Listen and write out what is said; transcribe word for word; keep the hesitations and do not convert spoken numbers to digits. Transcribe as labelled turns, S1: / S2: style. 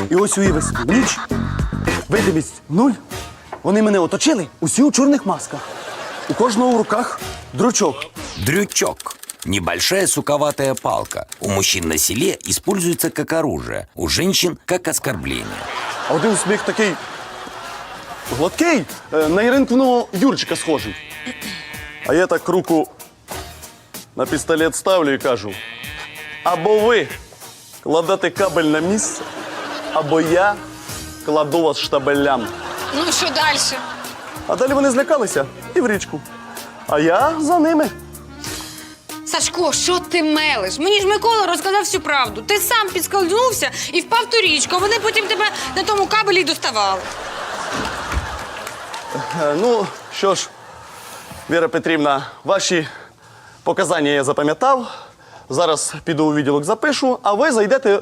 S1: І ось уяви собі, ніч, видимість нуль. Вони мене оточили, усі у чорних масках. У кожного в руках дручок.
S2: Дрючок. Небольшая суковатая палка. У мужчин на селе используется как оружие, у женщин как оскорбление.
S1: А один сміх такий гладкий, е, на Іринкиного Юрчика схожий. А я так руку на пістолет ставлю і кажу: або ви кладете кабель на місце, або я кладу вас штабелями.
S3: Ну, що далі?
S1: А далі вони злякалися і в річку. А я за ними.
S3: Сашко, що ти мелиш? Мені ж Микола розказав всю правду. Ти сам підскользнувся і впав в ту річку, а вони потім тебе на тому кабелі й доставали.
S1: Е, Ну, що ж, Віра Петрівна, ваші показання я запам'ятав. Зараз піду у відділок запишу, а ви зайдете